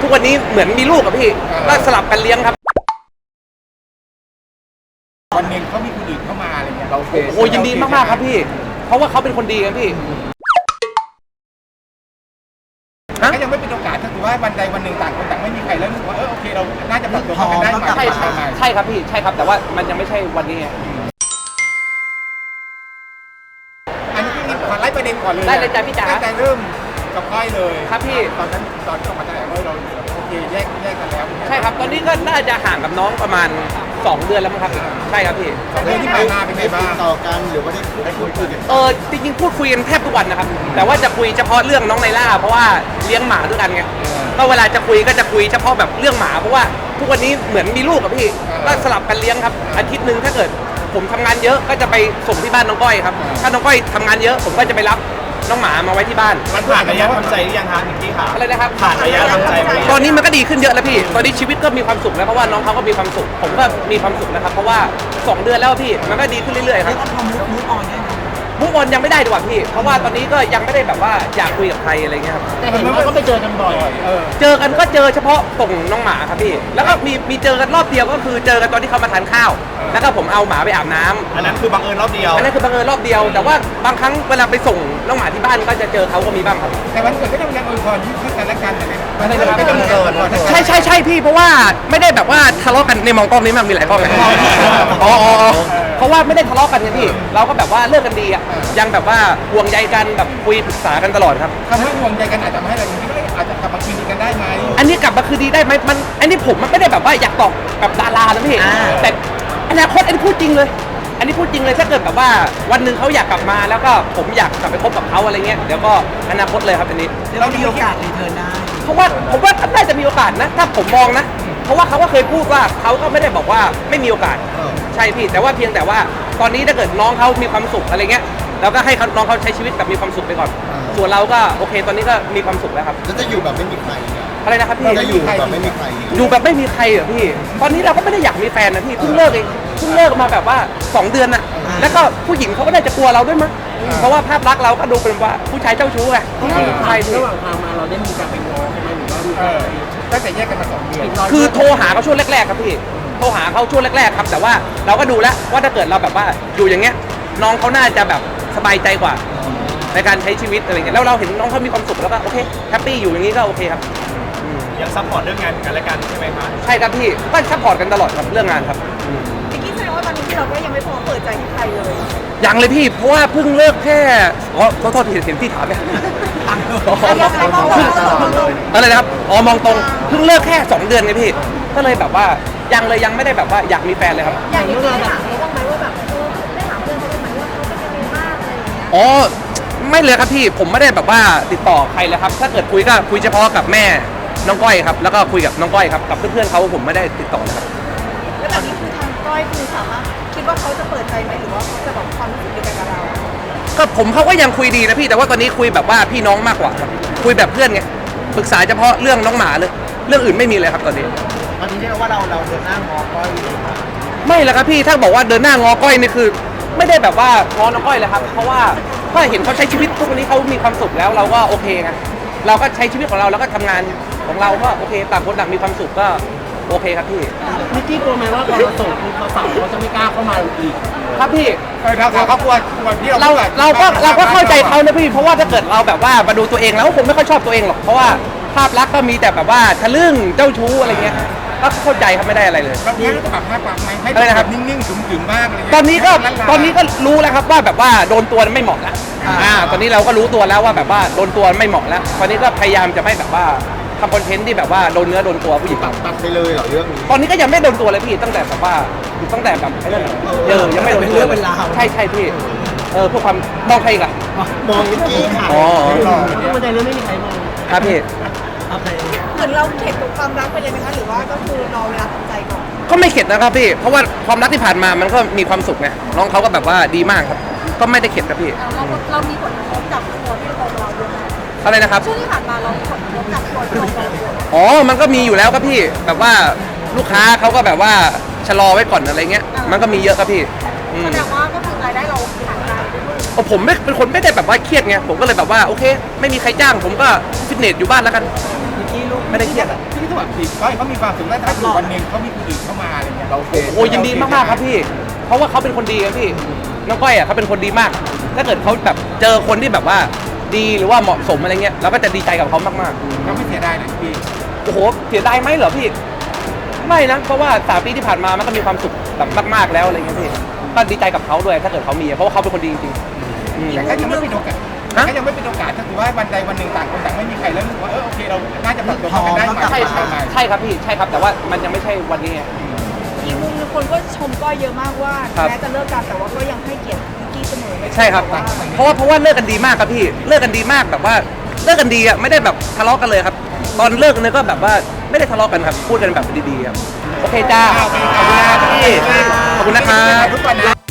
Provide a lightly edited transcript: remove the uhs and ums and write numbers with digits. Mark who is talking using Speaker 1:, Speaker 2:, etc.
Speaker 1: ทุกวันนี้เหมือนมีลูกกับพี่ก็สลับกันเลี้ยงครับ
Speaker 2: วันหนึ่งเขามีคนอื่นเข้ามาอะไรเงี้ยเรา
Speaker 1: โอ้ยินดีมากๆครับพี่เพราะว่าเขาเป็นคนดีครับพี่
Speaker 2: ก็ยังไม่เป็นโอกาสถ้าถือว่าวันใดวันหนึ่งต่างคนต่างไม่มีใครแล้วรู้สึกว่าโอเคเราน่าจะปรับตัวกันได้ไหม
Speaker 1: ใช่ครับพี่ใช่ครับแต่ว่ามันยังไม่ใช่วันนี้
Speaker 2: อันนี้พี่ขอไล่ประเด็นก่อนเลย
Speaker 1: ได้เลยจ้ะพี่จ๋า
Speaker 2: ตั้งแต่เริ่มกับก้อยเลย
Speaker 1: ครับพี่
Speaker 2: ตอนนั้นตอนที่ออกมาแถลงเราโอเคแยกกันแล้ว
Speaker 1: ใช่ครับตอนนี้ก็น่าจะห่างกับน้องประมาณ2 เดือนแล้วมั้งครับใช่ครับพี่
Speaker 2: 2 เดือนที่ผ่านมาเป็นไงบ้าง
Speaker 3: ต่อกันหรือว่าได้พูดคุยกัน
Speaker 1: จริงๆพูดคุยกันแทบทุกวันนะครับแต่ว่าจะคุยเฉพาะเรื่องน้องไนล่าเพราะว่าเลี้ยงหมาด้วยกันไงก็เวลาจะคุยก็จะคุยเฉพาะแบบเรื่องหมาเพราะว่าทุกวันนี้เหมือนมีลูกกับพี่ก็สลับกันเลี้ยงครับอาทิตย์นึงถ้าเกิดผมทำงานเยอะก็จะไปส่งที่บ้านน้องก้อยครับถ้าน้องก้อยทำงานเยอะผมก็จะไปรับน้องหมามาไว้ที่บ้าน
Speaker 3: มันผ่านระยะทำใจหรือยังคะนิกกี้ค่ะ
Speaker 1: อะไรนะครับ
Speaker 3: ผ่านระยะทำใจ
Speaker 1: ตอนนี้มันก็ดีขึ้นเยอะแล้วพี่ตอนนี้ชีวิตก็มีความสุขแล้วเพราะว่าน้องเขาก็มีความสุขผมก็มีความสุขนะครับเพราะว่า2 เดือนแล้วพี่มันก็ดีขึ้นเรื่อยๆครับ
Speaker 4: มูฟออนได้ไหม
Speaker 1: มูฟออนยังไม่ได้ดีกว่าพี่เพราะว่าตอนนี้ก็ยังไม่ได้แบบว่าอยากคุยกับใครอะไรเงี้ยครับ
Speaker 4: แต่เห็นว่าก็ไปเจอกันบ่อย
Speaker 1: เจอกันก็เจอเฉพาะส่งน้องหมาครับพี่แล้วก็มีเจอกันรอบเดียวก็คือเจอกันตอนที่เขามาทานข้าวแล้วก็ผมเอาหมาไปอาบน้ำ
Speaker 3: อันนั้นคือบังเอิญรอบเดียว
Speaker 1: อันนั้นคือบังเอิญรอบเดียวแต่ว่าบางครั้งเวลาไปส่งน้องหมาที่บ้านก็จะเจอเขาก็มีบ้างครับ
Speaker 2: แต่วันเกิดก็ยังอวยพรยิ่งขึ้นกันและกัน
Speaker 1: ใช่พี่เพราะว่าไม่ได้แบบว่าทะเลาะกันในมองกล้องนี้มันมีหลายกล้องไงอ๋อเพราะว่าไม่ได้ทะเลาะกันไงพี่เราก็แบบว่าเลิกกันดีอ่ะยังแบบว่าห่วงใยกันแบบคุยปรึกษากันตลอดครับ
Speaker 2: คำว่าห่วงใยกันอาจจะทำให้เราอย่างนี้ก็อาจจะกลับมาคืนดีกันได้ไหม
Speaker 1: อันนี้กลับมาคืนดีได้ไหมมันอันนี้ผมมันไม่ได้แบบว่าอยากตอบแบบดารานะพี่แต่อนาคตอันนี้พูดจริงเลยอันนี้พูดจริงเลยถ้าเกิดแบบว่าวันหนึ่งเขาอยากกลับมาแล้วก็ผมอยากกลับไปคบกับเขาอะไรเงี้ยเดี๋ยวก็อนาคตเลยครับอันนี้
Speaker 4: เรามีโอกาสรีเทิร์นได้
Speaker 1: เพราะว่าผมว่าน่าจะมีโอกาสนะถ้าผมมองนะเพราะว่าเขาก็เคยพูดว่าเขาก็ไม่ได้บอกว่าไม่มีโอกาสใช่พี่แต่ว่าเพียงแต่ว่าตอนนี้ถ้าเกิดน้องเขามีความสุขอะไรเงี้ยเราก็ให้น้องเขาใช้ชีวิตแบบมีความสุขไปก่อนส่วนเราก็โอเคตอนนี้ก็มีความสุขแล้วครับ
Speaker 3: แล้วจะอยู่แบบไม่มีใคร
Speaker 1: อะไรนะครับพี่
Speaker 3: จะอยู่แบบไม่มีใคร
Speaker 1: อยู่แบบไม่มีใครเหรอพี่ตอนนี้เราก็ไม่ได้อยากมีแฟนนะพี่เพิ่งเลิกเองเพิ่งเลิกมาแบบว่า2 เดือนน่ะแล้วก็ผู้หญิงเขาก็น่าจะกลัวเราด้วยมั้งเพราะว่าภาพลักษณ์เราก็ดูเป็นว่าผู้ชายเจ้าชู้ไง
Speaker 4: ใช่ระหว่างทางมาเราได้มีการไปง้อใช่ไหมหรือว่า
Speaker 2: ตั้งแต่แยกกันมา2 เดือน
Speaker 1: คือโทรหาเขาช่วงแรกๆครับพี่โทรหาเขาช่วงแรกๆครับแต่ว่าเราก็ดูแล้วว่าถ้าเกิดเราแบบว่าอยู่อย่างเงี้ยน้องเขาน่าจะแบบสบายใจกว่าในการใช้ชีวิตอะไรเงี้ยแล้วเราเห็นน้องเขามีความสุขแล้วก็โอเคแฮปปี้อยู่อย่างนี้ก็โอเคครับ
Speaker 3: ยังซัพพอร์ตเรื่องงานกันและกันใช่ไหมครับ
Speaker 1: ใช่ครับพี่ก็ซัพพอร์ตกันตลอดครับเรื่องงานครับ
Speaker 5: พี่กิ๊กแสดงว่าตอนนี้ที่เราก็ยังไม่พร้อมเปิดใจให้ใครเลย
Speaker 1: ยังเลยพี่เพราะว่าเพิ่งเลิกแค่ขอโทษทีเห็นพี่ถามไหมอะไรนะครับมองตรงเพิ่งเลิกแค่2 เดือนไงพี่ก็เลยแบบว่ายังไม่ได้แบบว่าอยากมีแฟนเลยครับ
Speaker 5: อย่างนี้ได้ถามเขาบ้างไหมว่าแบบได้ถามเพื่อนเขาบ้างไหมว่าเขาเป็นยังไงบ้างอะไรอย่างเงี้ย
Speaker 1: ไม่เลยครับพี่ผมไม่ได้แบบว่าติดต่อใครเลยครับถ้าเกิดคุยก็คุยเฉพาะกับแม่น้องก้อยครับแล้วก็คุยกับน้องก้อยครับกับเพื่อนๆเขาผมไม่ได้ติดต่อนะครับ
Speaker 5: แล้วตอนนี้คือทางก้อยคือสามารถคิดว่าเขาจะเปิดใจไหมหรือว่าเขาจะแบบความรู้สึกเดียวกันกับเรา
Speaker 1: ก็เขาก็ยังคุยดีนะพี่แต่ว่าตอนนี้คุยแบบว่าพี่น้องมากกว่าครับคุยแบบเพื่อนไงปรึกษาเฉพาะเรื่องน้องหมาเลยเรื่องอื่นไม่มีเลยครับตอนนี้
Speaker 4: เรียกว่าเราเดินหน้างอก้อย
Speaker 1: ไม่แล้วครับพี่ถ้าบอกว่าเดินหน้างอก้อยนี่คือไม่ได้แบบว่างอน้องก้อยเลยครับเพราะว่าถ้าเห็นเขาใช้ชีวิตทุกวันนี้เขามีความสุขแล้วเราก็โอเคไงเราก็ใช้ชีวิตของเราแล้วก็ทำงานของเราก็โอเคต่างคนต่างมีความสุขก็โอเคครับพี่
Speaker 4: นิกกี้กลัวไหมว่าพอเราส่งคือเขาสั่งเขาจะไม่กล้าเข้ามาอีก
Speaker 1: ครับพี่
Speaker 2: เขากลัวที่
Speaker 1: เราก็เข้าใจเขานะพี่เพราะว่าถ้าเกิดเราแบบว่ามาดูตัวเองแล้วผมไม่ค่อยชอบตัวเองหรอกเพราะว่าภาพลักษณ์ก็มีแต่แบบว่าทะลึ่งเจ้าชู้อะไรเงี้ยก็เข้าใจครับไม่ได้อะไรเลย
Speaker 2: เราจะปรับภาพลักษณ์ไหมให้แบบนิ่งๆขึมๆมากเลย
Speaker 1: ตอนนี้ก็รู้แล้วครับว่าแบบว่าโดนตัวไม่เหมาะแล้วตอนนี้เราก็รู้ตัวแล้วว่าแบบว่าโดนตัวไม่เหมาะแล้วตอนนี้ก็พยายามจะไม่แบบว่าทำคอนเทนต์ที่แบบว่าโดนเนื้อโดนตัวผู้หญิง
Speaker 3: ตัดไปเลยเหรอเรื่องนี้
Speaker 1: ตอนนี้ก็ยังไม่โดนตัวเลยพี่ตั้งแต่แบบว่าไอ้นั่นยังไม่โดนตัวใช่พี่เพื่อความมองใครอีกอะ
Speaker 3: มองนิกกี้ค่ะ
Speaker 4: ไม่ได้เรื่องไม่มีใครมอง
Speaker 1: ครับพี่
Speaker 5: เหมือนเราเข็ดกับความรักไปเลยไหมคะหรือว่าก็คือรอเวลาทำใจก่อน
Speaker 1: ก็ไม่เข็ดนะครับพี่เพราะว่าความรักที่ผ่านมามันก็มีความสุขไงน้องเขาก็แบบว่าดีมากครับก็ไม่ได้เข็ดครับพี่
Speaker 5: เรามีผลกระทบกับตัวที่เราด้วยไหม
Speaker 1: อะไรนะครับ
Speaker 5: ช่วงที่ผ่านมาเราผลกระทบกับตัวที่เรา
Speaker 1: มันก็มีอยู่แล้วครับพี่แบบว่าลูกค้าเขาก็แบบว่าชะลอไว้ก่อนอะไรเงี้ยมันก็มีเยอะครับพี่
Speaker 5: แสดงว่าก็คือรายได้เราหายไป
Speaker 1: ผมไม่เป็นคนไม่ได้แบบว่าเครียดไงผมก็เลยแบบว่าโอเค ไม่มีใครจ้างผมก็ฟิตเนสอยู่บ้านแล้วกัน
Speaker 4: นิกกี้ลูก
Speaker 1: ไม่ได้เครียดอะ
Speaker 2: ที่ที่ว่าผิดก้อยเขามีความสุขแล้วถ้าอยู่วันหนึ่งเขามีคนอื่นเข้ามาอะไรเงี้ยเราโอเค
Speaker 1: โอ้ยินดีมากๆครับพี่ เพราะว่าเขาเป็นคนดีครับพี่น้องก้อยอ่ะเขาเป็นคนดีมาก ถ้าเกิดเขาแบบเจอคนที่แบบว่าดีหรือว่าเหมาะสมอะไรเงี้ยเราก็จะดีใจกับเขามาก
Speaker 2: เขาไม่เสียดายนะพี่
Speaker 1: ๆโอ้โหเสียดายไหมเหรอพี่ไม่นะเพราะว่า3 ปีที่ผ่านมามันก็มีความสุขแบบมากๆแล้วอะไรเงี้ยพี่ก็ดีใจกับเขาด้วยถ้าเกิดเขามีเพราะว่าเขาเป็นคนดีจริงๆอืม
Speaker 2: แต่ก็ยังไม่เป็นโอกาส
Speaker 1: ฮะ
Speaker 2: ก็ยังไม่เป็นโอกาสถ้าถือว่าวันใดวันหนึ่งต่างคนต่างไม่มีใครแล้วรู้สึกว่าโอเคเราน่าจะปรับตัวเข้ากันได้ใหม่
Speaker 1: ใช่ใช่ใช่ครับพี่ใช่ครับแต่ว่ามันยังไม่ใช่วันนี้ไง
Speaker 5: อีกมุมนึงคนก็ชมก้อยเยอะมากว่า
Speaker 1: ครับ
Speaker 5: แม้จะเลิกกันแต่ว่าก็ยังให้เกียรตินิกกี้เสมอไม่
Speaker 1: ใช่ครับ
Speaker 5: ว่า
Speaker 1: เพราะว่าเลิกกันดีมากครับพี่เลิกกันดีมากแบบว่าเลิกกันดีอ่ะไม่ได้แบบทะเลาะกันเลยครับ ตอนเลิกเนี่ยก็แบบว่าไม่ได้ทะเลาะกันครับพูดกันแบบดีๆครับโอเคจ้าขอบคุณนะครับพี่ขอบคุณนะครับ
Speaker 2: ทุกวันนะ